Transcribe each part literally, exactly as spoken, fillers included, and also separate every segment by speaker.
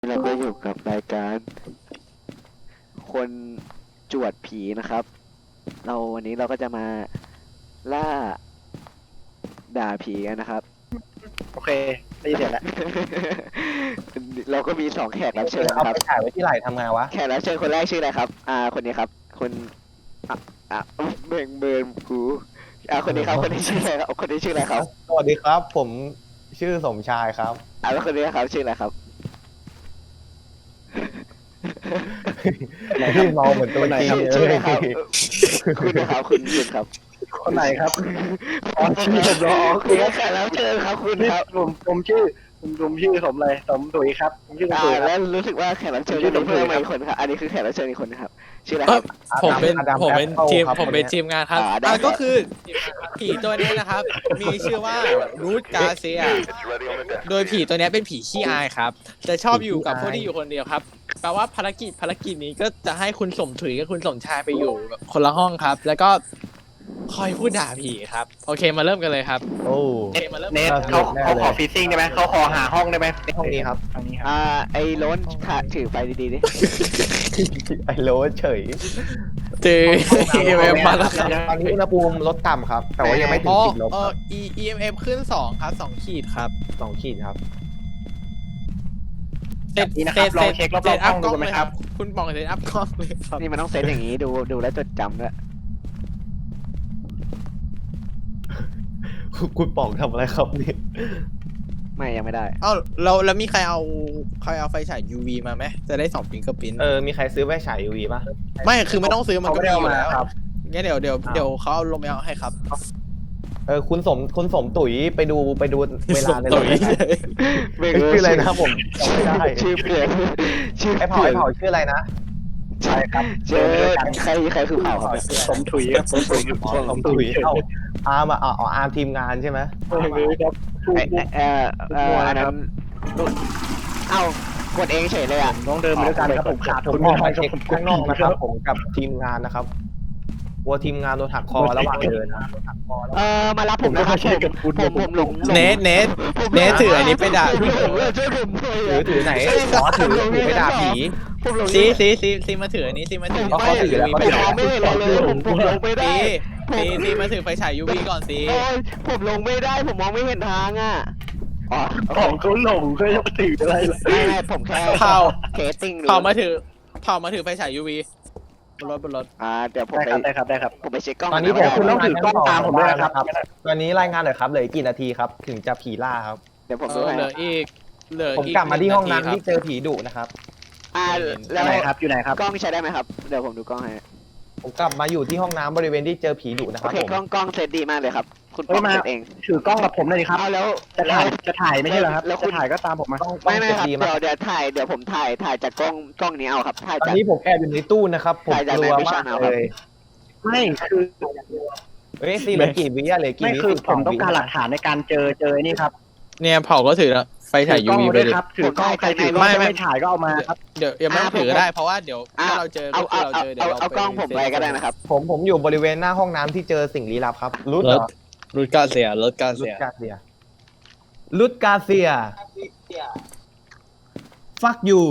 Speaker 1: เราก็อยู่กับรายการคนจวดผีนะครับ เราวันนี้เราก็จะมาล่าด่าผีกันนะครับ
Speaker 2: โอเคได้ยินเสียงแล้ว
Speaker 1: เราก็มีสองแขกรับเชิญ
Speaker 3: เอา
Speaker 1: ครับ
Speaker 3: ไปถ่ายไว้ที่ไหล่ทำไงวะ
Speaker 1: แขกรับเชิญคนแรกชื่ออะไรครับ อ่า คนนี้ครับคนอ่ะอ่ะเบ่งเบิร์นกูอ่าคนนี้ครับ คนนี้ชื่ออะไรครับ คนนี้ชื่ออะไรครับ
Speaker 3: สวัสดีครับ ผมชื่อสมชายครับ
Speaker 1: อ่าแล้วคนนี้ครับชื่ออะไรครับ
Speaker 3: พี่เมาเหมือนตัวจริง
Speaker 1: ชื่อ
Speaker 3: เล
Speaker 1: ชื่ออะไร
Speaker 3: ย
Speaker 1: ครับคุณนะครับคุณคุณครับ
Speaker 2: คนไหนครับ
Speaker 1: อ๋อชื่อผมเหรออ๋อคุณแขกรับเชิญครับคุณ
Speaker 2: นี่
Speaker 1: ครับ
Speaker 2: ผมผมชื่อผมผมชื่อสมเลยสมตุ๋ยครับผมชื่อสม
Speaker 1: อ่า
Speaker 2: ตุ๋ยค
Speaker 1: แล้
Speaker 2: รับ
Speaker 1: วรู้สึกว่าแขกรับเชิญ
Speaker 2: ชื่
Speaker 1: จะ
Speaker 2: อ
Speaker 1: มีเพิ่ม
Speaker 2: ผม
Speaker 1: มา
Speaker 2: ครับ
Speaker 1: อีกคนครับ อันนี้คือแขกรับเชิญอีกคนนะครับ ชื่ออะไร
Speaker 4: เอ
Speaker 1: ค
Speaker 4: อ
Speaker 1: รับ
Speaker 4: ผมเป็น
Speaker 3: อดัม
Speaker 4: ผมเป็น
Speaker 3: แอปเปิล
Speaker 4: ทีม
Speaker 3: ครับ
Speaker 4: ผมเป็น
Speaker 3: คนนี้
Speaker 4: ทีมงานครับ
Speaker 1: อ่าได้
Speaker 4: อ่า
Speaker 1: ครับ
Speaker 4: ก็คือผีตัวนี้นะครับ มีชื่อว่ารูทกาเซียโดยผีตัวนี้เป็นผีขี้อายครับจะชอบอยู่กับพวกที่อยู่คนเดียวครับแปลว่าภารกิจภารกิจนี้ก็จะให้คุณสมถุยกับคุณสมชายไปอยู่แบบคนละห้องครับ แล้วก็คอยพูดด่าผีครับโอเคมาเริ่มกันเลยครับ
Speaker 3: โอ้
Speaker 4: โอเคมาเริ่ม
Speaker 2: เนท
Speaker 3: ครับ
Speaker 2: เขา
Speaker 3: แน่
Speaker 2: เขา
Speaker 3: เลย
Speaker 2: ขอฟีซิ่งได้ไหมเขาขอหาห้องได้ไหม
Speaker 3: ห้องนี้ครับ
Speaker 2: ทางนี้ครับ
Speaker 1: อ่า ไอ้โล้นถ่าถือไปดีๆดิ
Speaker 3: ไอ้โรสเฉย
Speaker 4: เจอ เอ็มเอ็มมาแล้วครับ
Speaker 3: ตอนนี้อุณหภูมิลดต่ำครับ แต่ว่ายังไม่ถึ
Speaker 4: อ๋
Speaker 3: ง
Speaker 4: อ
Speaker 3: ขีดลบ
Speaker 4: เอ
Speaker 3: ค
Speaker 4: อ
Speaker 3: รับ
Speaker 4: E E M F ขึ้นสองครับสองขีดครับ
Speaker 3: สองขีดครับ
Speaker 4: เซต
Speaker 2: นี่นะค
Speaker 4: เซ
Speaker 2: รับ
Speaker 4: ต
Speaker 2: ลอ
Speaker 4: เซ
Speaker 2: ง
Speaker 4: ต
Speaker 2: เช็ครอบ
Speaker 4: เซต
Speaker 2: ๆ
Speaker 4: อั
Speaker 2: ห้
Speaker 4: พ
Speaker 2: อง
Speaker 4: กล้
Speaker 2: ดู
Speaker 4: อง
Speaker 2: ไหม
Speaker 4: เลย
Speaker 2: ค
Speaker 4: ค
Speaker 2: รั
Speaker 4: รับ บคุณปองเซตอัพกล้องเลยครับ
Speaker 1: นี่มันต้องเซตอย่างนี้ดูดูแล้วจดจำด้วย
Speaker 3: คุณป๋องทำอะไรครับนี่
Speaker 1: ไม่ยังไม่ได้
Speaker 4: เอ้าเราแล้วมีใครเอาใครเอาไฟฉาย ยู วี มาไหมจะได้สองฟิงเกอร์พิ้น
Speaker 3: เออ มีใครซื้อไฟฉาย ยู วี ป่ะ
Speaker 4: ไม่คือไม่ต้องซื้อมัน
Speaker 2: เขา
Speaker 4: ก็
Speaker 2: ไม่
Speaker 4: มี
Speaker 2: ได้
Speaker 4: อ
Speaker 2: เอา
Speaker 4: ยู่
Speaker 2: มา
Speaker 4: แล้ว
Speaker 2: ครับ
Speaker 4: งั้นเดี๋ยวเดี๋ยวเดี๋ยวเขาเอาลงไปเอาให้ครับ
Speaker 3: เออ คุณสม คุณสมตุ๋ยไปดูไปดูเวลาในร
Speaker 4: ตุ๋
Speaker 3: ถ
Speaker 4: ย
Speaker 3: ได้ไหมเอ้ยชื่ออะไรนะผมจำไม่ได้
Speaker 1: ชื่อเปลี่ยนชื่อ
Speaker 3: ไอ้เผาไอ้เผาชื่ออะไรนะ
Speaker 2: ใช่ครับ
Speaker 1: เจอใครใครคือเผาครับเนี่ย
Speaker 2: สมถุยครับสมถุย
Speaker 3: อ๋อสมตุ๋ยเอ้าอาร์มอ่ะอ๋ออาร์มทีมงานใช่ไหม
Speaker 2: เออครับถูก
Speaker 1: ไอ้ไอ้เอ่อเอ่ออันนั้นเอ้ากดเองเฉยเลยอ่ะ
Speaker 2: ต้องเดินไปด้วยกันครับผมขาด
Speaker 3: ผมออกมาเช็คข้างนอกนะครับ ผมกับทีมงานนะครับกลัวทีมงานโดนหักคอระหว่างเดินนะ
Speaker 1: เออมารับผมนะครับผมผมผมหลง
Speaker 4: เนทเนทเนทถืออันนี้ไปด่า
Speaker 1: ผมหลงเลยช่วยผมหน่อย
Speaker 3: ถือถือไหนอ๋อถือถือไปด่าผี
Speaker 1: ผมหลง
Speaker 4: ซีซีซีซีมาถืออันนี้ซีมาถือ
Speaker 1: ผมไม่ผมมองไม่เห็นเลยผมผมลงไม่ได้
Speaker 4: ซีซีซีมาถือไฟฉาย ยู วี ก่อนซี
Speaker 1: โอ้ยผมลงไม่ได้ผมมองไม่เห็นทางอ่ะอ๋อ
Speaker 2: ของเขาหลงเขาจะถืออะไรล่ะ
Speaker 1: ไม่ไม่ผมแค่
Speaker 4: เผา
Speaker 1: เทสติ้ง
Speaker 4: เผามาถือเผามาถือไฟฉาย ยู วี บนรถบนรถ
Speaker 1: อ่าเดี๋ยวผม
Speaker 2: ได้
Speaker 1: ไป
Speaker 2: ครับได้ครับได้ครับ
Speaker 1: ผมไปเช็คกล้อง
Speaker 3: ตอนนี้
Speaker 1: ก่
Speaker 3: ผม
Speaker 1: นะ
Speaker 3: ขึ้น
Speaker 1: ว่า
Speaker 2: ต้องถือกล้องตามผมด้วยนะครับ
Speaker 3: ตอนนี้รายงานหน่อยครับเหลืออีกกี่นาทีครับ ถึงจะผีล่าครับ
Speaker 1: เดี๋ยวผม
Speaker 4: เอ
Speaker 1: ดู
Speaker 4: อ
Speaker 1: ให้
Speaker 4: เหลืออีกเหลือ
Speaker 3: ผม
Speaker 4: อีก
Speaker 3: กลับมาที่ห้องนั้น
Speaker 4: ห
Speaker 3: ที่
Speaker 4: งา
Speaker 3: เจอผีดุนะครับ
Speaker 1: อ่า
Speaker 2: อ
Speaker 1: แล้ว
Speaker 2: ยู่ไหนครับอยู่ไหนครับ
Speaker 1: กล้องใช้ได้ไหมครับเดี๋ยวผมดูกล้องให้
Speaker 3: ผมกลับมาอยู่ที่ห้องน้ำบริเวณที่เจอผีดุนะค
Speaker 1: โอ
Speaker 3: รับ
Speaker 1: เค
Speaker 3: ผม
Speaker 1: กล้องกล้องเซตดีมากเลยครับ คุณ
Speaker 2: เฮ้
Speaker 1: ป้อย ง
Speaker 2: มา
Speaker 1: เซตเอง
Speaker 2: ถือกล้องกับผมหน่อยดิครับ
Speaker 1: เอาแล้ว
Speaker 2: จะถ่ายจะถ่ายไม่ใช่เหรอครับ
Speaker 1: แล้วคุ
Speaker 2: จะ
Speaker 1: ณ
Speaker 2: ถ่ายก็ตามผมมา
Speaker 3: ต้องต้อ
Speaker 1: ไม่
Speaker 3: ง
Speaker 1: ไม่
Speaker 3: เจ็บ
Speaker 1: ครับ
Speaker 3: ดี
Speaker 1: เดี๋
Speaker 3: มาก
Speaker 1: ยวเดี๋ยวถ่ายเดี๋ยวผมถ่ายถ่ายจากกล้องกล้องนี้เอาครับถ่าย
Speaker 3: ตอน
Speaker 1: จาก
Speaker 3: นี้ผมแอบอยู่ในตู้นะครับ ผม
Speaker 1: ถ่ายจาก
Speaker 3: กลัว
Speaker 1: ใน
Speaker 3: มาก
Speaker 1: Vision เอาค
Speaker 3: เล
Speaker 1: รับ
Speaker 3: ย
Speaker 2: ไม่คือ
Speaker 3: เฮ้ยสี่เหลือกี่วิอะเหลือกี่
Speaker 2: ไม่
Speaker 3: วิ
Speaker 2: คือ
Speaker 3: สิบ
Speaker 2: ผ
Speaker 3: ส
Speaker 2: มต้อง
Speaker 3: วิ
Speaker 2: การหลักฐานในการเจอเจอนี่ครับ
Speaker 4: เนี่ยเผาก็ถือแล้วไฟฉาย
Speaker 2: ถือกล้อง
Speaker 4: ยู วี
Speaker 2: มา
Speaker 4: ไป
Speaker 2: ด้วย
Speaker 4: ดิ
Speaker 2: ครับถือกล้องใครถือกล้อง
Speaker 4: ไม่
Speaker 2: จะ
Speaker 4: ไม่
Speaker 2: ไม่ถ่ายก็เอามาครับ
Speaker 4: เดี๋ยวยังไม่ต้องถือก็ได้เพราะว่าเดี๋ยว
Speaker 1: อ่ะ
Speaker 4: ถ้าเราเจอ
Speaker 1: เอา
Speaker 4: ก็คือ
Speaker 1: เอา
Speaker 4: เรา
Speaker 1: เอา
Speaker 4: เจอเดี๋ย
Speaker 1: เอา
Speaker 4: วเรา
Speaker 1: เอากล้องผมไปก็ได้นะครับ
Speaker 3: ผมผมอยู่บริเวณหน้าห้องน้ำที่เจอสิ่งลี้ลับครับรุดเหรอ
Speaker 4: รูดกาเซียรถกา
Speaker 3: รุ
Speaker 4: เซี
Speaker 3: ด
Speaker 4: ย
Speaker 3: กาเซียรุดกาเซีย fuck you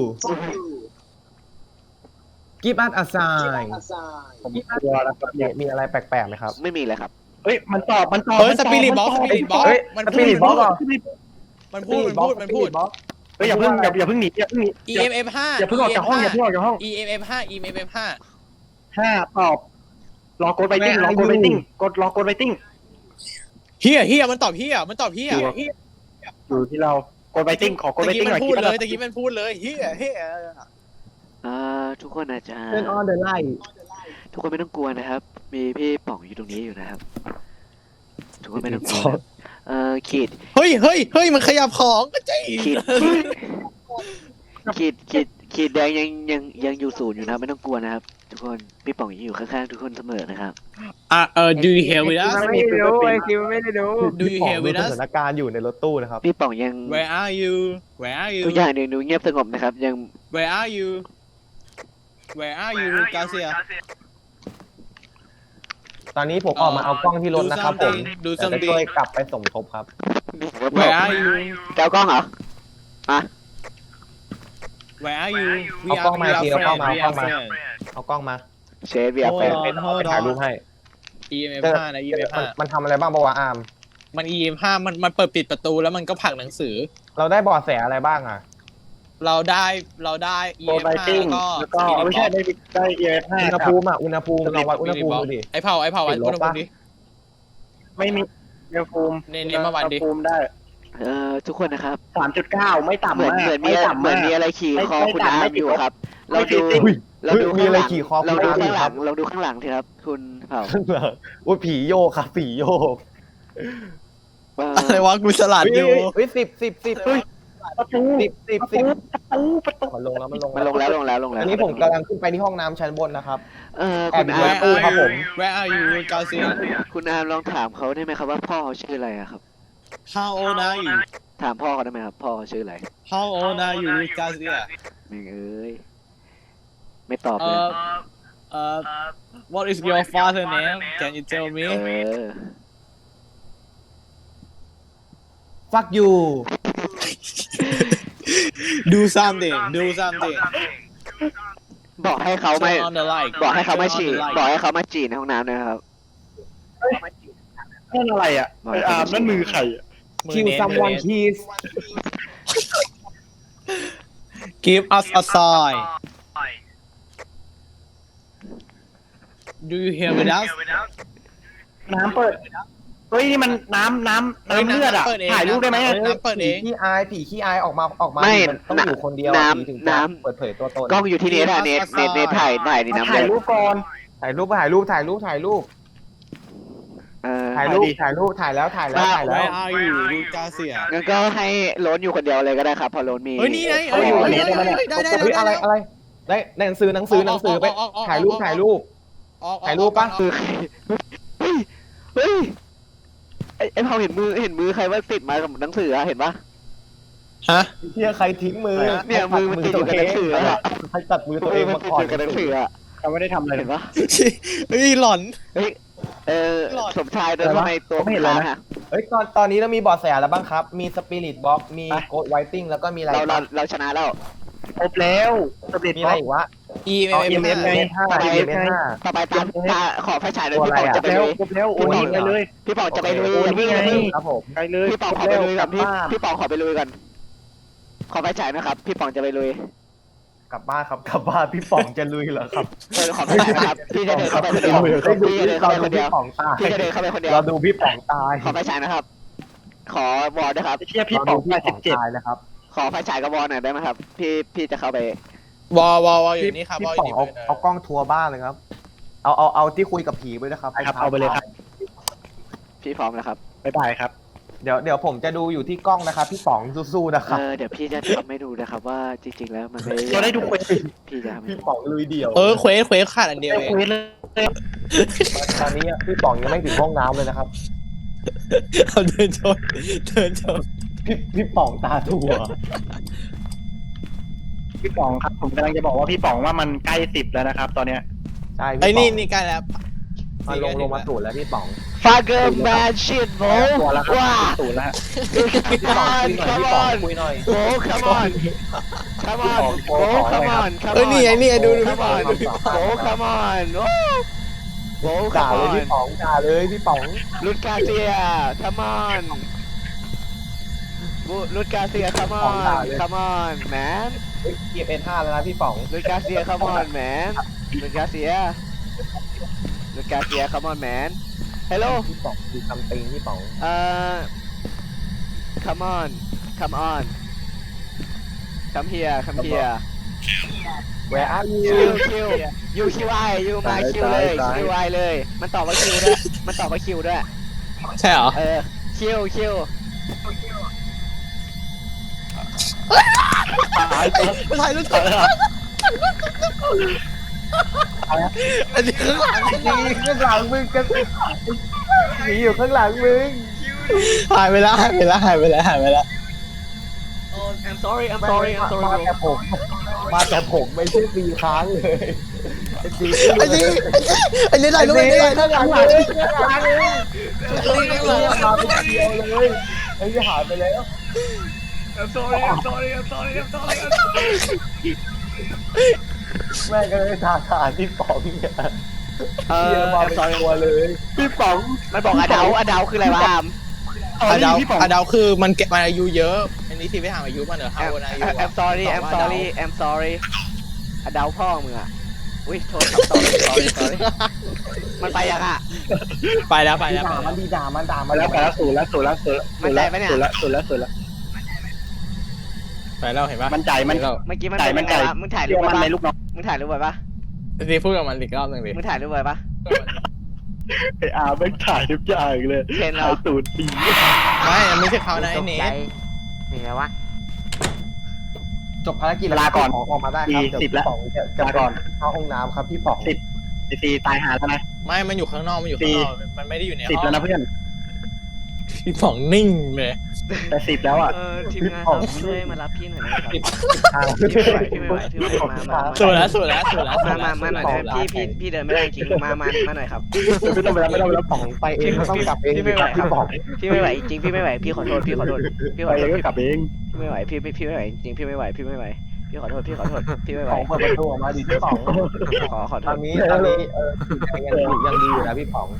Speaker 3: give us a sign
Speaker 2: ผมกลัวแล้วครับ
Speaker 3: มีมีอะไรแปลกๆไหมครับ
Speaker 1: ไม่มีเลยครับ
Speaker 2: เฮ้ยมันตอบมันตอบ
Speaker 4: เฮ้ย
Speaker 2: มัน
Speaker 4: ส
Speaker 2: ตอบ
Speaker 4: ปิริตบ็อกส
Speaker 2: มัน
Speaker 4: ปิ
Speaker 2: ต
Speaker 4: ริตบ็อก
Speaker 3: เฮ้ย
Speaker 4: มัน
Speaker 3: ส
Speaker 4: พู
Speaker 3: ปิ
Speaker 4: ด
Speaker 3: ริตบ็อกเหรอ
Speaker 4: มันพูดมันพูดมันพูด
Speaker 2: เฮ้ยอย่าเพิ่งอย่าอย่าเพิ่งหนีอย่าเพิ่งหนี
Speaker 4: E M F ห้า
Speaker 2: อย่าเพิ่งออกจากห้องอย่าเพิ่งออกจากห้อง
Speaker 4: E M F ห้า E M F ห้า
Speaker 2: ห้าตอบรอกดไวติ้งรอกดไวติ้งกดรอกดไวติ้ง
Speaker 4: เฮียเฮียมันตอบเฮียมันตอบเฮีย
Speaker 2: อยู่ที่เรากดไวติ้งขอกด
Speaker 4: ตะ
Speaker 2: ไว
Speaker 4: กี้
Speaker 2: ติ้งห
Speaker 4: มั
Speaker 2: น่อย
Speaker 4: นพูดเลย
Speaker 2: คิ
Speaker 4: ตะกี้มันพูดเลยเฮียเฮีย
Speaker 1: อ่าทุกคนอาจจะ
Speaker 3: turn on the light
Speaker 1: ทุกคนไม่ต้องกลัวนะครับ มีพี่ป๋องอยู่ตรงนี้อยู่นะครับ ทุกคนไม่ต้องกลัวนะครับเอ่อขีด
Speaker 4: เฮ้ยเฮ้ยเฮ้ยมันขยับของก็ใจ
Speaker 1: ขีดขีดขีดขีดแดงยังยังยังอยู่ศูนย์อยู่นะไม่ต้องกลัวนะครับ ทุกคนพี่ป๋องยังอยู่ข้างๆทุกคนเสมอนะครับ
Speaker 4: อ่ะเออ do you hear with us
Speaker 2: ไม่ได้รู้ไอคิวไม่ได้รู้
Speaker 4: do you hear
Speaker 3: ดู
Speaker 4: with
Speaker 3: ส
Speaker 4: us
Speaker 3: ถานการณ์อยู่ในรถตู้นะครับ
Speaker 1: พี่ป๋องยัง
Speaker 4: where are you where are you
Speaker 1: ทุกอย่างยังดูเงียบสงบนะครับ ยัง
Speaker 4: where are you where are you กาเซีย
Speaker 3: ตอนนี้ผมออกมาเอากล้องที่รถนะครับผม
Speaker 4: ดู
Speaker 3: จะ
Speaker 4: ซัม
Speaker 3: ได้
Speaker 4: ดี
Speaker 3: ช่วยกลับไปสมทบครับ
Speaker 4: where are you
Speaker 1: แก้วกล้องเหรอมา
Speaker 4: Where are you We
Speaker 3: เอากล้อง
Speaker 4: are
Speaker 3: มา
Speaker 4: we are
Speaker 3: ทีเอากล้อง
Speaker 4: friends
Speaker 3: มา
Speaker 4: We
Speaker 3: เอากล้อง
Speaker 4: are
Speaker 3: มา
Speaker 4: friends
Speaker 3: เอากล้องมา
Speaker 1: เชฟเบียร์แฟน
Speaker 4: Hold on
Speaker 3: ไป
Speaker 4: Hold
Speaker 3: ถ่ายรูป
Speaker 4: on
Speaker 3: ให้
Speaker 4: อี เอ็ม เอฟ ห้านะ อี เอ็ม เอฟ
Speaker 3: มัน
Speaker 4: ห้า
Speaker 3: มันทำอะไรบ้างปะวะอาร์ม
Speaker 4: มัน อี เอ็ม ห้ามันมันเปิดปิดประตูแล้วมันก็ผลักหนังสือ
Speaker 3: เราได้เบอแสอะไรบ้างอ่ะ
Speaker 4: เราได้เราได้ อี
Speaker 2: โก
Speaker 4: เอ็
Speaker 2: ด
Speaker 4: ม
Speaker 2: ไบ
Speaker 4: ห้า
Speaker 2: ติ้ง
Speaker 4: แล้วก็
Speaker 2: แล้วก็ไม่ใช่ได้ได้เอฟห้า
Speaker 3: อุณหภูมิอ่ะอุณหภูมิลองวัดอุณหภูมิดูดิ
Speaker 4: ไอเผาไอเผาวัด
Speaker 3: ติดล
Speaker 4: อุ
Speaker 3: บ
Speaker 4: ณหภู
Speaker 3: ปะ
Speaker 4: มิดิ
Speaker 2: ไม่มีอุณหภูมิ
Speaker 4: เน้นๆมาวันดิ
Speaker 2: อุณหภูมิได้
Speaker 1: เอ่อทุกคนนะครับ
Speaker 2: สามจุดเก้าไม่ต่ำ
Speaker 1: เหมือน
Speaker 2: มาก
Speaker 1: เหมือนมี
Speaker 2: ไม่ต่ำ
Speaker 1: เหมือน
Speaker 2: มาก
Speaker 1: มีอะไรขี่
Speaker 2: ไม่
Speaker 1: คอ
Speaker 2: ไม่
Speaker 1: คุณ
Speaker 2: ต่ำ
Speaker 1: อา
Speaker 2: ไม่
Speaker 1: ร์ม
Speaker 2: ติ
Speaker 1: อ
Speaker 2: ด
Speaker 1: ยู่
Speaker 2: ลบ
Speaker 1: ครับ
Speaker 2: ไม่
Speaker 1: เรา
Speaker 2: ติ
Speaker 1: ดู
Speaker 2: ดติด
Speaker 3: อุ้ย
Speaker 1: เราดู
Speaker 3: มี
Speaker 1: ข้าง
Speaker 3: อะไร
Speaker 1: หลัง
Speaker 3: ขี่คอ
Speaker 1: เรา
Speaker 3: คุณ
Speaker 1: ดู
Speaker 3: อาร์ม
Speaker 1: ข้างหลัง
Speaker 3: ครับ
Speaker 1: เราดูข้างหลังทีครับ คุณเผา
Speaker 3: โอ้ยผีโยกครับผีโยก
Speaker 1: เอ่อ
Speaker 4: อะไรวะกูสลัดอยู่
Speaker 3: เฮ้ยสิบสิบสิบ
Speaker 2: เฮ้ย ประตู
Speaker 3: สิบสิบ
Speaker 2: ประ
Speaker 3: สิ
Speaker 2: ตู
Speaker 3: บ
Speaker 2: ประตูประตู
Speaker 3: มันลงแล้วมันลง
Speaker 1: มันลงแล้วลงแล้วลงแล้ว
Speaker 3: อันนี้ผมกำลังขึ้นไปที่ห้องน้ำชั้นบนนะครับ
Speaker 1: เอ่อ
Speaker 3: แอ
Speaker 1: คุ
Speaker 3: บ
Speaker 1: ณ
Speaker 3: อยู่
Speaker 1: อา
Speaker 3: ใน
Speaker 1: ร์ม
Speaker 3: ตู้ครับผม
Speaker 4: Where are you Garcia
Speaker 1: คุณอาร์มลองถามเขาได้ไหมครับว่าพ่อเขาชื่ออะไรอะครับ
Speaker 4: How old are you
Speaker 1: ถามพ่อเขาได้ไหมครับ พ่อเขาชื่ออะไร
Speaker 4: How old are you Garcia
Speaker 1: แม่งเอ้ยไม่ตอบเลย
Speaker 4: Uh uh What is your father name Can you tell me
Speaker 1: เออ
Speaker 3: fuck you
Speaker 4: Do something Do something
Speaker 1: บอกให้เขาไม่
Speaker 4: Turn on the light
Speaker 1: บอกให้เขามาฉี่
Speaker 4: Turn on the light
Speaker 1: บอกให้เขามาฉี่ในห้องน้ำนะครับ
Speaker 2: นั่นอะไรอ่ะ
Speaker 1: บอก
Speaker 2: ไอ
Speaker 1: ให้
Speaker 2: อา
Speaker 1: เขา
Speaker 2: ร์มนั่นมือใครอ่ะ
Speaker 4: มือ
Speaker 3: kill
Speaker 4: เน้น
Speaker 3: someone
Speaker 4: มือเน้น
Speaker 3: please
Speaker 4: Give us a sign Do you hear with us
Speaker 2: น้ำเปิด เฮ้ยนี่มันน้ำน้ำน้ำเลือดอ่ะ
Speaker 4: เปิดเอง
Speaker 2: ถ่ายรูปได้ไหม
Speaker 4: เน้ำเปิดเอง
Speaker 3: ผีขี้อายผีขี้อายออกมาออกมา
Speaker 1: ไม่
Speaker 3: มันต้องอยู่คนเดียว
Speaker 1: น้ำ
Speaker 3: ผีถึงจะ
Speaker 1: น้ำ
Speaker 3: เปิดเผยตัวตน
Speaker 1: กล้องอยู่ที่เนทอะเนทเนทเนทถ่ายถ่ายดิน้ำ
Speaker 2: ถ่าย
Speaker 1: เลย
Speaker 2: รูปก่อน
Speaker 3: ถ่ายรูปถ่ายรูปถ่ายรูปถ่ายรูป
Speaker 1: เออ
Speaker 3: ถ่ายรูป
Speaker 2: ถ่ายดิ
Speaker 3: ถ่ายรูปถ่ายแล้วถ่ายแล้วถ่ายแล้ว
Speaker 4: Where are you Garcia
Speaker 1: งั้นก็ให้โรนอยู่คนเดียวเลยก็ได้ครับเพอโรนมี
Speaker 4: เฮ้ยนี่ไง
Speaker 2: เอา
Speaker 4: เอ้ย
Speaker 2: อยู่
Speaker 4: เฮ้ย
Speaker 2: อันนี้
Speaker 4: เฮ้ย
Speaker 2: ได้ไหม
Speaker 4: เฮ้ยได้ได้
Speaker 3: เฮ้ย
Speaker 4: ได้
Speaker 3: อะไรอะไรได้ในหนังสือหนังสือหนังสือไป
Speaker 4: ออกออกออก
Speaker 3: ถ่ายรูป
Speaker 4: ออก
Speaker 3: ถ่ายรูป
Speaker 4: ออกออก
Speaker 3: ถ่ายรูปปะ
Speaker 4: ออก
Speaker 1: มือใครเฮ้ยเฮ้ยไอ้ไอ้เผาเห็นมือเห็นมือใครว่าติดมากับหนังสืออะเห็นปะ
Speaker 4: ฮะ
Speaker 3: เที่ยใครทิ้งมือ
Speaker 1: เนี่ยมือมันติดอยู่กับหนังสืออะ
Speaker 3: ใครตัดมือตัวเอง
Speaker 1: มั
Speaker 3: มาน
Speaker 1: ติด
Speaker 3: ก่อ
Speaker 1: อน ยู่กับหนังสืออะ
Speaker 2: เขาไม่ได้ทำอะไร
Speaker 1: เห็นปะ
Speaker 4: เฮ้ยหลอน
Speaker 1: เฮ้ยเออ
Speaker 4: หลอด
Speaker 1: สมชายเดินเข้าไปตัว
Speaker 2: ไม่เห็นเลยนะ
Speaker 1: ค้างอะ
Speaker 3: เฮ้ยตอนตอนนี้เรามีเบอแสอะไรบ้างครับ มีสปิริตบ็อกมี
Speaker 2: ไป
Speaker 3: โกดไวติ้งแล้วก็มีอะไร
Speaker 1: เราเรา
Speaker 3: บ้าง
Speaker 1: เราชนะแล้ว
Speaker 2: ครบแล้วสปิริต
Speaker 3: มี
Speaker 2: บ
Speaker 3: อะ
Speaker 2: ล็
Speaker 3: ไร
Speaker 2: อก
Speaker 3: อีกวะ
Speaker 4: E M
Speaker 3: อ๋อ
Speaker 4: M
Speaker 3: เอ็มเอฟ
Speaker 4: ห้า
Speaker 3: ห้า
Speaker 1: ไป
Speaker 3: เอ็มเอฟห้า
Speaker 1: ต่อไปตามตาขอไฟฉายเลย
Speaker 3: ตัว
Speaker 1: พี่
Speaker 3: อะไร
Speaker 1: ปอง
Speaker 3: อะ
Speaker 1: จะไป
Speaker 2: แล้ว
Speaker 1: ลุย
Speaker 2: ครบแล้วโอ้ยไปเลย
Speaker 1: พี่ปองจะไปลุย
Speaker 3: โอเค
Speaker 1: พี่
Speaker 2: นี่ไง
Speaker 3: ครับผม
Speaker 2: ไปเลย
Speaker 1: พี่ปองขอไปลุยก่อนพี่พี่ปองขอไปลุยก่อนขอไฟฉายนะครับ พี่ปองจะไปลุย
Speaker 3: กลับบ้านครับกลับบ้านพี่ป๋องจะลุยเหรอครับ
Speaker 1: เออขอไฟฉายนะครับพี่จะเดินเข้าไปคนเดียว
Speaker 3: ให้ดู
Speaker 1: พี่จะเดินเข้าไปคนเดียว
Speaker 3: พี่ป๋องตาย
Speaker 1: พี่จะเดินเข้าไปคนเดียว
Speaker 3: เราดูพี่ป๋องตาย
Speaker 1: ขอไฟฉายนะครับ ขอวอลด้วยครับ
Speaker 2: ไอ้เชี่ยพี่ป๋อง
Speaker 3: เราดู
Speaker 2: แปดสิบเจ็ด
Speaker 3: ตายนะครับ
Speaker 1: ขอไฟฉายกับวอลหน่อยได้ไหมครับ พี่พี่จะเข้าไป
Speaker 4: วอลวอลวอลอยู่นี่ครับ
Speaker 3: พี่
Speaker 4: วอลอ
Speaker 3: ป๋อยู่ ง
Speaker 4: นี่
Speaker 3: เอาเอากล้องทัวร์บ้านเลยครับ เอาเอาเอาที่คุยกับผีไปนะครับ
Speaker 2: ครับเอาไปเลยครับ
Speaker 1: พี่พร้อมแล้วครับ
Speaker 2: บ๊ายบายครับ
Speaker 3: เดี๋ยวเดี๋ยวผมจะดูอยู่ที่กล้องนะครับ พี่ป๋องสู้ๆนะค
Speaker 1: เอ
Speaker 3: รับ
Speaker 1: อเดี๋ยวพี่จะทำให้ดูนะครับว่าจริงๆแล้วมันไม่
Speaker 2: เราได้ดูเควส
Speaker 1: พี่จะทำให้
Speaker 3: พี่
Speaker 1: ดู
Speaker 3: ป๋องลุยเดี่ยว
Speaker 4: เออเควสเควสขาดอันเดียว
Speaker 2: ได้
Speaker 4: เอง
Speaker 2: เควสเลย
Speaker 3: ตอนนี้พี่ป๋องยังไม่ถึงห้องน้ำเลยนะครับ
Speaker 4: เอาเดินชนเดินชน
Speaker 3: พี่พี่ป๋องตาถั่ว
Speaker 2: พี่ป๋องครับผมกำลังจะบอกว่าพี่ป๋องว่ามันใกล้สิบแล้วนะครับ ตอนเนี้ย
Speaker 3: ใช่
Speaker 4: ไอ้
Speaker 3: พี่ป๋
Speaker 4: นี่
Speaker 3: อง
Speaker 4: นี่ใกล้แล้ว
Speaker 3: มาลงลงมาสูดแล้วพี่ป๋อง
Speaker 1: ฟาเกอร์แมนชิดโบ
Speaker 2: ตัวแล้วครับ
Speaker 1: ว้า
Speaker 2: ศูนย์แล้วฮะ
Speaker 3: พี่ป๋องคุยหน่อยพี่ป๋องคุยหน่อย
Speaker 1: โบ come on come on โบ come on come on
Speaker 4: เอ้ยนี่ไงนี่ไงดูดูพี่
Speaker 1: come
Speaker 4: ป๋อง
Speaker 1: on
Speaker 4: ดูพี่ป๋อง
Speaker 1: โบ come on โอ้โบ
Speaker 3: ด่า
Speaker 1: come
Speaker 3: เลย
Speaker 1: on
Speaker 3: พี่ป๋องด่าเลยพี่ป๋อง
Speaker 1: ลุดกาเซีย come on บุลุดกาเซีย come
Speaker 3: ของ
Speaker 1: on
Speaker 3: ด่าเลย
Speaker 1: come on man
Speaker 3: เก็บเอ็นห้าแล้วนะพี่ป๋อง
Speaker 1: ลุดกาเซีย come on man ลุดกาเซียลุดกาเซีย come on man hello
Speaker 3: พี่ป๋องดูคำติงพี่ป๋อง
Speaker 1: เอ่อ come on come on come here come here
Speaker 3: Where are you
Speaker 1: คิวคิวยูคิวไอยูมาคิวเลยคิวไอเลย มันตอบว่าคิวด้วย มันตอบว่าคิวด้วย
Speaker 4: ใช่เหรอ
Speaker 1: เออ คิวคิว
Speaker 2: ตายไปแล้ว
Speaker 4: ถ่ายรูปถ่ายรูปอันนี้ข้างหลัง
Speaker 3: นี่ข้างหลังมึงกันหนีอยู่ข้างหลังมึง
Speaker 4: หายไปแล้วหายไปแล้วหายไปแล้วหายไปแล้ว
Speaker 1: I'm sorry I'm
Speaker 3: มา
Speaker 1: sorry I'm
Speaker 3: มา
Speaker 1: sorry
Speaker 3: แต่ผม มาแต่ผมไม่ใช่ปีค้างเลยไอ้จี
Speaker 4: อันนี้อันนี้ถ่ายรูปอันนี้ถ่ายรูป
Speaker 3: ข้างหลังเลยข้างหลังเลยไอ้เหี้ยหายไปเดียวเลยไอ้เหี้ยหายไปแล้ว
Speaker 1: เ
Speaker 2: sorry I'm sorry I'm sorry I'm sorry
Speaker 3: แม่งก็เลยทาทานพี่ป๋องเนี่ย
Speaker 1: เออ
Speaker 3: เหี้ยมาเป็นตัวเลย
Speaker 2: พี่ป๋อง
Speaker 1: มันบอกอดาวอดาวคืออะไรวะอาม
Speaker 4: อะดาว
Speaker 2: พี่ป๋อง
Speaker 4: อะดาวคือมันเก็บมันอายุเยอะ อันนี้ที่ไปถามอายุมันเหรอ
Speaker 1: แอ
Speaker 4: เท่าม อายุ
Speaker 1: I'm sorry I'm sorry I'm sorry อดาวพ่อมึงอ่ะอุ้ยโทษครับ sorry sorry sorry มันไปยังอ่ะ
Speaker 4: ไปแล้วไปแล้ว
Speaker 3: ด่ามันดีด่ามันด่ามั
Speaker 2: มาน แล้วไปแล้วศูนย์แล้วศูนย์แล้วศูนย์
Speaker 1: มั่นใจปะเนี่ย
Speaker 2: ศูนย์แล้วศูนย์แล้วศูนย์แล้ว
Speaker 4: ไปแล้วเห็นปะ
Speaker 2: มันใจมัน
Speaker 4: เห็แล้ว
Speaker 1: เมื่อกี้มัน
Speaker 2: ไก่
Speaker 1: เป็น
Speaker 2: มัน
Speaker 1: ยังไง
Speaker 2: ไก่
Speaker 1: วะมึงถ่ายรู
Speaker 2: เรีย
Speaker 1: ป
Speaker 2: ก
Speaker 1: ไว้
Speaker 2: มัน
Speaker 1: ปะ
Speaker 2: ในลูกน้อง
Speaker 1: มึงถ่ายรูปไว้ปะ
Speaker 4: ดีพูดกับมันอีกรอบหนึ่งดิ
Speaker 1: มึงถ่ายรูปไว้ปะ
Speaker 2: ไอ้อาไม่ถ่ายทุกอย่างเลย
Speaker 1: เห็นเหรอ
Speaker 2: ถ่ายตูดปี
Speaker 4: ไม่ไม่ใช่เขานะไอ้เนท
Speaker 1: เห็นไหมวะ
Speaker 3: จบภารกิจแล้วพี่ป๋องออกมาได้ครับเดี๋ยวพี่ป๋องจะจะก่อนเข้าห้องน้ำครับพี่ป๋อง
Speaker 2: สิบไอซีตายหาแล้วนะ
Speaker 4: ไม่มันอยู่ข้างนอกมันอยู่ข้างนอกมันไม่ได้อยู่ใน
Speaker 2: สิบ
Speaker 4: ห้อ
Speaker 2: แล้ว
Speaker 4: ง
Speaker 2: นะเพื่อน
Speaker 4: พี่ป๋องนิ่งเลย
Speaker 2: แต่สิบแล้วอ่ะ
Speaker 1: เออทีมงานครับช่วยมารับพี่หน่อยนะครับพี่ไม่ไหวพี่ไม่ไหวพี่ไม่ไหวมามา
Speaker 4: สุดแล้วสุดแล้วสุดแล้ว
Speaker 1: มามามาหน่อยนะพี่พี่พี่เดินไม่ได้จริงมามามาหน่อยครับ
Speaker 2: ไม่ต้องไปแล้วไม่ต้องไปแล้ว
Speaker 3: ป๋องไปเองก็ต้องกลับเอง
Speaker 1: พี่ไม่ไหวครับ
Speaker 3: พี่ป๋อง
Speaker 1: พี่ไม่ไหวจริงพี่ไม่ไหวพี่ขอโทษพี่ขอโทษพี่ข
Speaker 2: ไป
Speaker 1: อโท
Speaker 2: เอ
Speaker 1: ษ
Speaker 2: งก็กลับเอง
Speaker 1: พี่ไม่ไหวพี่พี่พี่ไม่ไหวจริงพี่ไม่ไหวพี่ไม่ไหวพี่ขอโทษพี่ขอโทษพี่ไม่ไหว
Speaker 3: ป๋องเปิดประตูออกมาดิพี่ป๋อง
Speaker 1: ขอขอโท
Speaker 3: ตอ
Speaker 1: ษ
Speaker 3: นนี้ตอนนี้เออยังดียังดีอยู่นะพี่ป๋อง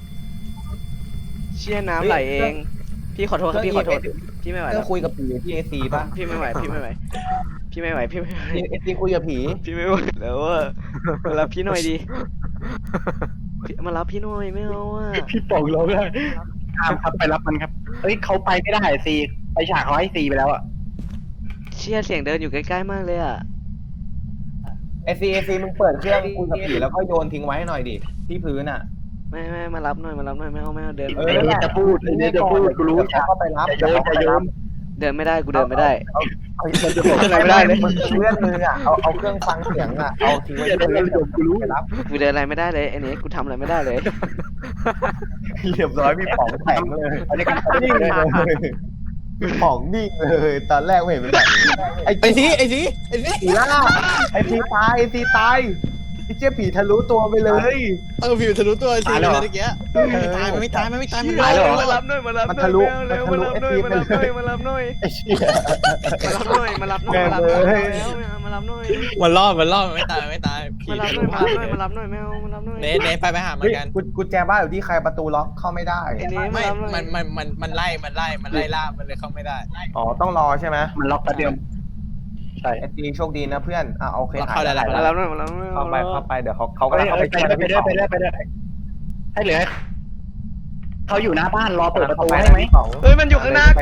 Speaker 1: เชี่ยน้ำไหลเองพี่ขอโทษครับพี่ขอโทษพี่ไม่ไหว
Speaker 3: เรื่
Speaker 1: แล้
Speaker 3: อ
Speaker 1: ว
Speaker 3: งคุยกับผีที่เอซีป่ะ
Speaker 1: พี่ไม่ไหวพี่ไม่ไหวพี่ไม่ไหวพี่ไม่ไหว
Speaker 3: เอซีคุยกับผี
Speaker 1: พี่ไม่ไหวแล้วอะมารับพี่หน่อยดิมารับพี่หน่อยไม่เอาอ่ะ
Speaker 2: พี่ป๋องร้องไห้ตามครับไปรับมันครับเฮ้ยเขาไปไม่ได้ซีไปฉากเขาให้ซีไปแล้วอ่ะ
Speaker 1: เชี่ยเสียงเดินอยู่ใกล้ๆมากเลยอ่ะ
Speaker 3: เอซีเอซีมึงเปิดเครื่องคุยกับผีแล้วก็โยนทิ้งไว้ให้หน่อยดิที่พื้นอ่ะ
Speaker 1: ไม่ไม่มารับหน่อยมารับหน่อยไม่เอาไม่เอาเดิน
Speaker 2: ไอ้นี่จะพูดไอ้นี่จะพูดกูรู้
Speaker 3: เขาก็ไปรับ
Speaker 2: จะโยนจะโยน
Speaker 1: เดินไม่ได้กูเดินไม่ได้
Speaker 2: มันจะ
Speaker 1: เดินไม่ได้เลย
Speaker 3: มันเลื่อนมืออ่ะเอาเอาเครื่องฟังเสียงอ่ะเอาทิ้งไว้ที่พื้นกูรู้ไปรับ
Speaker 1: กูเดินอะไรไม่ได้เลยไอ้นี่กูทำอะไรไม่ได้เลย
Speaker 3: เรียบร้อยพี่ป๋องแข็งเลย
Speaker 2: อันนี้กัน
Speaker 3: นิ่งเลยพี่ป๋องนิ่งเลยตอนแรกไม่เห็นเป็นแบบนี้ไอ้
Speaker 4: ไอ้ซีไอ้ซีไอ้ซี
Speaker 3: ผีล่าไอ้ผีตายไอ้ผีตายไอ้เจ๊ผีทะลุตัวไปเลย
Speaker 4: เออผิวทะลุตัวไอ้ซีเลยเมื่อกี้ไม่ตายมันไม่ตายมันไม่ตายมันไม่ตาย
Speaker 1: มารับหน่อยมารับหน่อย
Speaker 3: มันทะลุ
Speaker 1: เร็ว
Speaker 3: มัน
Speaker 1: มา
Speaker 3: ทะลุ
Speaker 1: รับหน่อย
Speaker 3: ไอ้
Speaker 1: มารับหน่อย
Speaker 3: ไอ้เชี่ย
Speaker 1: มารับหน่อยมารับหน่อยมารับหน่อยมารับหน่อยแล้วมารับหน่อย
Speaker 4: มันรอดมันรอดมันไม่ตายมันไม่ตายผี
Speaker 1: มารับหน่อยมารับหน่อยมารับหน่อยไม่เอามารับหน่อย
Speaker 4: เนทเนทไปไปหามัน
Speaker 3: เฮ้ย
Speaker 4: กัน
Speaker 3: กุญกุญแจบ้านอยู่ที่ใครประตูล็อกเข้าไม่ได้
Speaker 1: ไอ้นี่มา
Speaker 4: ไม่
Speaker 1: รับหน่อย
Speaker 4: มันมันมันมันไล่มันไล่มันไล่ล่ามันเลยเข้าไม่ได้
Speaker 3: อ๋อต้องรอใช่ไหม
Speaker 2: มันล็อกกระเดียมใช่
Speaker 3: ไอ้ตีโชคดีนะเพื่อนอ่ะโอเค
Speaker 4: เข้าได้แล้ว
Speaker 1: มารับหน่อยมารับหน่อย
Speaker 3: เข้าไปเข้าไปเดี๋ยวเขาเขา
Speaker 2: ไป
Speaker 3: กำลังเข้าไป
Speaker 2: ไปได้ไปได้ไปได้ไปได้ให้เหลือเขาอยู่หน้าบ้านรอเปิดประตูให้ไหม
Speaker 1: เฮ้ยมันอยู่ข้างหน้ากู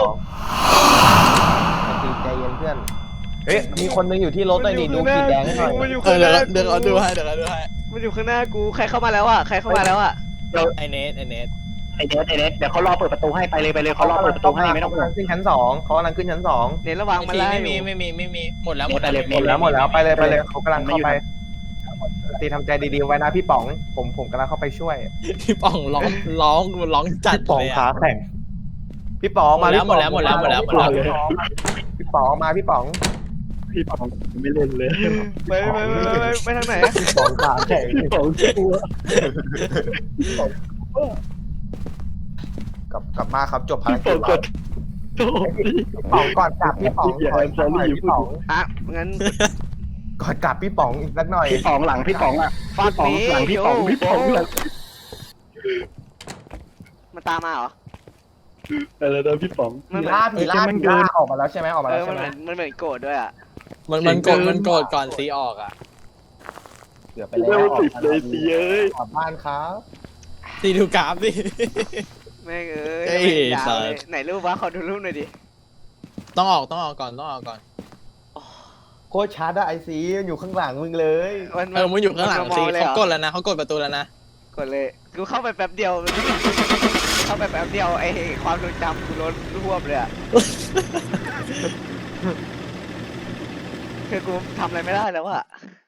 Speaker 3: ตีใจเย็นเพื่อนเฮ้ยมีคนนึงอยู่ที่รถเลยนี่ดูขีดแดงให้หน่อย
Speaker 1: มันอยู่
Speaker 4: เอ
Speaker 1: ข้า
Speaker 4: อง
Speaker 1: ห
Speaker 4: เดี๋ยว
Speaker 1: น้า
Speaker 4: เดี๋ยวเราดูให้เดี๋ยวเราดูให้
Speaker 1: มันอยู่ข้างหน้ากูใครเข้ามาแล้วอ่ะใครเข้ามาแล้วอ่ะ
Speaker 4: ไอเนทไอเนท
Speaker 2: ไอเดสไอเดสเดี๋ยวเขารอเปิดประตูให้ไปเลยไปเลยเขารอเปิดประตูให้ไม่ต้อง
Speaker 3: เขากำลังขึ้นชั้นสองเขากำลังขึ้นชั้นสอง
Speaker 1: เน้นระวังมัน
Speaker 4: ที
Speaker 1: ไล่
Speaker 4: ไม่มีไม่มีไม่มีหมดแล้วหมดแล้ว
Speaker 3: หมดแล้วหมดแล้วไปเลยไปเลยเขากำลังเข้าไปตีทำใจดีๆไว้นะพี่ป๋องผมผมกำลังเข้าไปช่วย
Speaker 4: พี่ป๋องร้องร้องร้องจัด
Speaker 3: พี่ป๋อง
Speaker 4: เลย
Speaker 3: ขา
Speaker 4: อะ
Speaker 3: แข็งพี่ป๋องมา
Speaker 4: หมดแล้วหมดแล้วหมดแล้วหมดแล้วหมดแล้ว
Speaker 3: พี่ป๋องมาพี่ป๋อง
Speaker 2: พี่ป๋องไม่เล่นเลย
Speaker 1: ไปไปไปไปไปทางไหน
Speaker 3: พี่ป๋องขาแข็ง
Speaker 2: พี่ป๋องกลัว
Speaker 3: กลับกลับมาครับจบภาร
Speaker 2: พี่
Speaker 3: กิ
Speaker 2: ป๋อ
Speaker 3: จ
Speaker 2: ง
Speaker 3: แล้ว
Speaker 2: กดโอ้ย
Speaker 3: พี่ป๋องก่อนกลับพี่ป๋องขออีกสักหน่อยพี่ป๋อง
Speaker 1: อ่ะงั้น
Speaker 3: ก่อนกลับพี่ป๋องอีกสักหน่อย
Speaker 2: พี่ป๋องหลังพี่ป๋องอ่ะพี่ป๋องหลังพี่ป๋องพี่ป๋องหลัง
Speaker 1: มันตามมาเหรอ
Speaker 2: อะไรนะพี่ป๋อง
Speaker 1: มัน
Speaker 3: ผี
Speaker 1: เหมือน
Speaker 3: ล่าผีล่าผีล่าออกมาแล้วใช่ไหมออกมา
Speaker 1: เอ
Speaker 3: แล้ว
Speaker 1: อมัน
Speaker 3: ใช่
Speaker 1: เห
Speaker 3: ไหม
Speaker 1: มือนมันเหมือนโกรธด้วยอ่ะ
Speaker 4: มันมันโกรธมันโกรธก่อนซีออกอ่ะ
Speaker 3: เกือบไป
Speaker 2: เร็
Speaker 3: แล้ว
Speaker 2: วสิบเลยสิเอ้ย
Speaker 3: กลับบ้านครับ
Speaker 4: ซีดูกราฟดิ
Speaker 1: แม่งเอ้ย
Speaker 4: เอ้ย
Speaker 1: ยาว
Speaker 4: สั
Speaker 1: เลย
Speaker 4: ตว์
Speaker 1: ไหนรูปวะขอดูรูปหน่อยดิ
Speaker 4: ต้องออกต้องออกก่อนต้องออกก่อน
Speaker 3: โคตรชาร์ดไอซีอยู่ข้างหลังมึงเลย
Speaker 1: มัน
Speaker 4: เออมันอยู่ข้างหลัง
Speaker 1: ม
Speaker 4: ซี
Speaker 1: เลย
Speaker 4: เขา
Speaker 1: หร
Speaker 4: กดแล้วนะเขากดประตูแล้วนะ
Speaker 1: กดเลยกูเข้าไปแป๊บเดียว เข้าไปแป๊บเดียวไอ้ความทรงจำกูล้นรวบเลยอ่ะ คือกูทำอะไรไม่ได้แล้วอ่ะ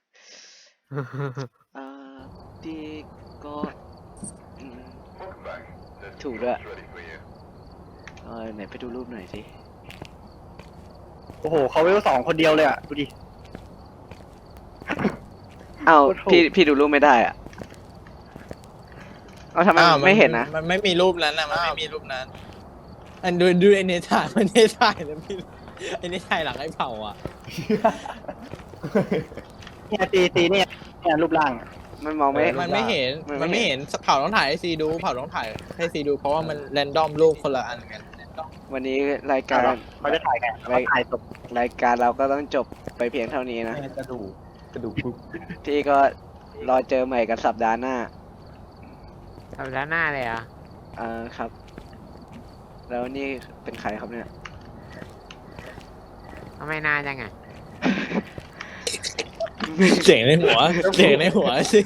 Speaker 1: อ่าดีก็อืมถูกด้วยเออไหนไปดูรูปหน่อยสิ
Speaker 2: โอ้โหเขาเวลสองคนเดียวเลยอ่ะดูดิ
Speaker 1: เอ้า
Speaker 2: โอ้โห
Speaker 1: พี่พี่ดูรูปไม่ได้อ่ะเอาทำไม
Speaker 4: อ้าว
Speaker 1: ไม่เห็นนะ
Speaker 4: มันไม่มีรูปนั้นนะมันไม่มีรูปนั้น ไออันดูดูไอเนถ่ายมันเนถ่ายแล้วพี่ไอเนถ่ายหลังไอ้เผาอ่ะ
Speaker 2: เนี่ยตีตีเนี่ยเนี่ยรูปร่าง
Speaker 1: มันมองไม่
Speaker 4: มันไม่เห็น
Speaker 1: มันไม่
Speaker 4: มันไม่เห็นเผาต้องถ่ายให้ซีดูเผาต้องถ่ายให้ซีดูเพราะว่ามันแรนดอมรูปคนละอันกัน
Speaker 1: วันนี้รายการ
Speaker 2: เขาจะถ่ายไงเขาถ่ายศพ
Speaker 1: รายการเราก็ต้องจบไปเพียงเท่านี้นะ
Speaker 3: แม่กระดูกกระดูกปุ๊บ
Speaker 1: ที่ก็รอเจอใหม่กันสัปดาห์หน้า
Speaker 5: ทำด้านหน้าเลยเหรอ่ะ
Speaker 1: อ่าครับ แล้วนี่เป็นใครครับเนี่ย
Speaker 5: ทำไมนานจังอ่ะ
Speaker 4: เสียงในหัวเสียงในหัว